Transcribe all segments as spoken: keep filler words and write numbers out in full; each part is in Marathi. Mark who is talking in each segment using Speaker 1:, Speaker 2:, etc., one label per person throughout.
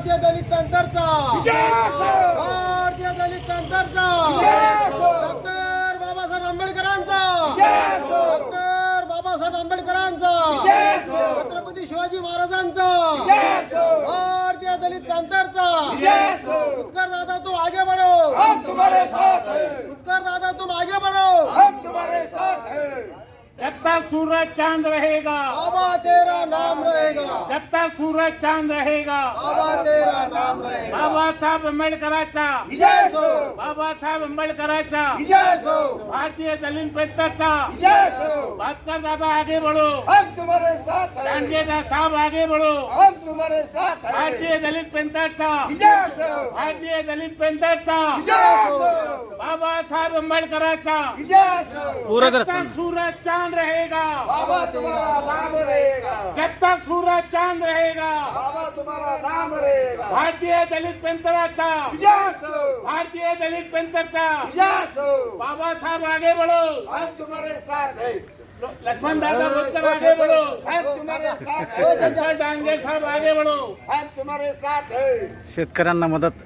Speaker 1: भारतीय दलित पॅंथरचा भारतीय दलित पॅंथरचा डॉक्टर बाबासाहेब आंबेडकरांचा डॉक्टर बाबासाहेब आंबेडकरांचा छत्रपती शिवाजी महाराजांचा भारतीय दलित पॅंथरचा उत्कर दादा तुम आगे बढ़ो,
Speaker 2: हम तुम्हारे साथ हैं।
Speaker 1: उत्कर दादा तुम आगे बढ़ो,
Speaker 2: हम तुम्हारे साथ हैं।
Speaker 3: जब तक सूरज चांद रहेगा
Speaker 1: बाबा तेरा नाम रहेगा,
Speaker 3: जब तक सूरज चांद रहेगा
Speaker 1: बाबा तेरा नाम रहेगा।
Speaker 3: बाबासाहेब आंबेडकरांचा
Speaker 2: विजय हो,
Speaker 3: बाबासाहेब आंबेडकरांचा
Speaker 2: विजय हो,
Speaker 3: भारतीय दलित पॅंथरचा
Speaker 2: विजय हो।
Speaker 3: भास्कर दादा आगे बढ़ो,
Speaker 2: हम तुम्हारे साथ हैं।
Speaker 3: डांगे साहब आगे बढ़ो,
Speaker 2: हम तुम्हारे साथ हैं।
Speaker 3: भारतीय दलित पॅंथरचा
Speaker 2: विजय हो,
Speaker 3: भारतीय दलित पॅंथरचा
Speaker 2: विजय हो,
Speaker 3: बाबासाहेब आंबेडकरांचा
Speaker 2: विजय हो।
Speaker 3: जब तक सूरज चांद रहेगा
Speaker 2: बाबा तुम्हारा नाम रहेगा,
Speaker 3: जब तक सूरज चांद रहेगा
Speaker 2: बाबा तुम्हारा नाम रहेगा।
Speaker 3: भारतीय दलित पॅंथरचा
Speaker 2: विजय हो,
Speaker 3: भारतीय दलित पॅंथरचा
Speaker 2: विजय हो।
Speaker 3: बाबासाहेब आगे बढ़ो,
Speaker 2: हम तुम्हारे साथ हैं।
Speaker 3: लक्ष्मण दादा बोलकर आगे बढ़ो,
Speaker 2: हम तुम्हारे साथ हैं।
Speaker 3: डॉक्टर डांगे साहब आगे बढ़ो।
Speaker 2: हम तुम्हारे साथ हैं।
Speaker 4: शेतकऱ्यांना मदत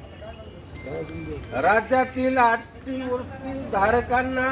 Speaker 5: राज्यातील अतिवृष्टी धारकांना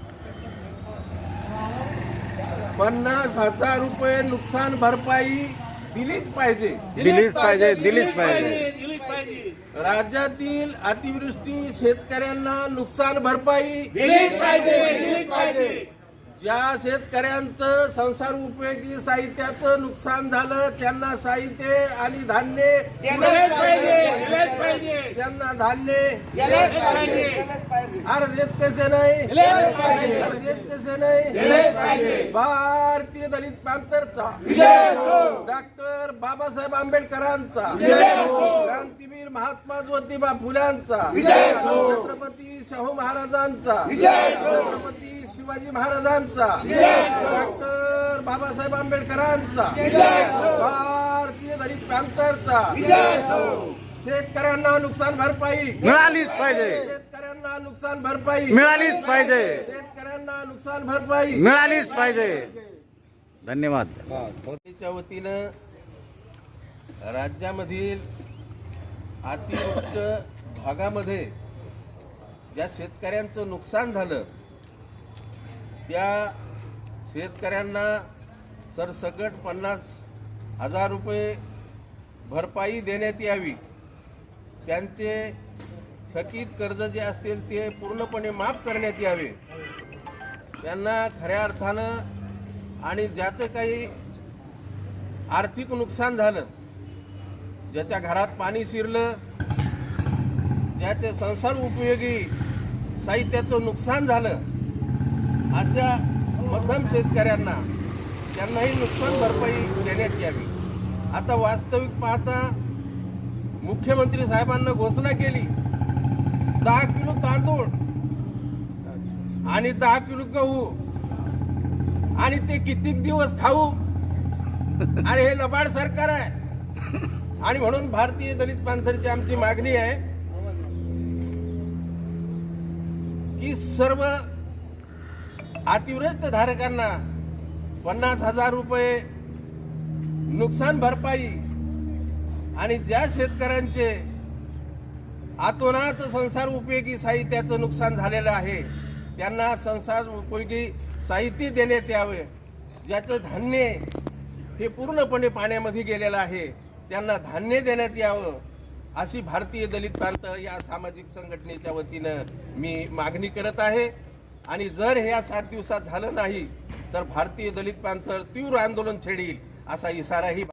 Speaker 5: पन्नास हजार रुपये नुकसान भरपाई दिलीच पाहिजे
Speaker 4: दिलीच पाहिजे दिलीच पाहिजे
Speaker 3: दिलीच पाहिजे
Speaker 5: राज्यातील अतिवृष्टी शेतकऱ्यांना नुकसान भरपाई
Speaker 3: दिलीच पाहिजे दिलीच पाहिजे
Speaker 5: ज्या शेतकऱ्यांचं संसार उपयोगी साहित्याचं नुकसान झालं त्यांना साहित्य आणि धान्य
Speaker 3: दिलेच पाहिजे दिलेच पाहिजे
Speaker 5: त्यांना धान्य
Speaker 3: दिलेच पाहिजे
Speaker 5: अरे देत कसे नाही
Speaker 3: दिलेच पाहिजे
Speaker 5: अरे देत कसे नाही
Speaker 3: दिलेच पाहिजे
Speaker 5: भारतीय दलित पॅंथरचा
Speaker 3: विजय हो
Speaker 5: डॉक्टर बाबासाहेब आंबेडकरांचा
Speaker 3: विजय हो
Speaker 5: क्रांतीवीर महात्मा ज्योतिबा फुल्यांचा
Speaker 3: विजय हो
Speaker 5: छत्रपती शाहू महाराजांचा
Speaker 3: विजय हो
Speaker 5: छत्रपती शिवाजी महाराजांचा डॉक्टर बाबासाहेब आंबेडकरांचा भारतीय दलित पॅंथरचा शेतकऱ्यांना नुकसान भरपाई
Speaker 4: मिळालीच पाहिजे
Speaker 5: शेतकऱ्यांना नुकसान भरपाई
Speaker 4: मिळालीच पाहिजे
Speaker 5: शेतकऱ्यांना नुकसान भरपाई
Speaker 4: मिळालीच पाहिजे धन्यवाद
Speaker 5: मोदीच्या वतीनं राज्यामधील अतिवृष्ट भागामध्ये ज्या शेतकऱ्यांचं नुकसान झालं त्या शेतकऱ्यांना सरसकट पन्नास हजार रुपये भरपाई देण्यात यावी, त्यांचे थकीत कर्ज जे असतील ते पूर्णपणे माफ करण्यात यावे, त्यांना खऱ्या अर्थानं आणि ज्याचं काही आर्थिक नुकसान झालं, ज्याच्या घरात पाणी शिरलं, ज्याचे संसार उपयोगी साहित्याचं नुकसान झालं, अशा मध्यम शेतकऱ्यांना त्यांनाही नुकसान भरपाई देण्यात यावी। आता वास्तविक पाहता मुख्यमंत्री साहेबांना घोषणा केली दहा किलो तांदूळ आणि दहा किलो गहू आणि ते कितीक दिवस खाऊ, अरे हे लबाड सरकार आहे। आणि म्हणून भारतीय दलित पॅंथरची आमची मागणी आहे की सर्व अतिवृष्ट धारकांना पन्नास हजार रुपये नुकसान भरपाई आणि ज्या शेतकऱ्यांचे अतोनात संसार उपयोगी साहित्याचं नुकसान झालेलं आहे त्यांना संसार उपयोगी साहित्य देण्यात यावे, ज्याचं धान्य हे पूर्णपणे पाण्यामध्ये गेलेलं आहे त्यांना धान्य देण्यात यावं, अशी भारतीय दलित पॅंथर या सामाजिक संघटनेच्या वतीनं मी मागणी करत आहे। आणि जर हे या सात दिवसात झालं नाही तर भारतीय दलित पॅंथर तीव्र आंदोलन छेडील असा इशाराही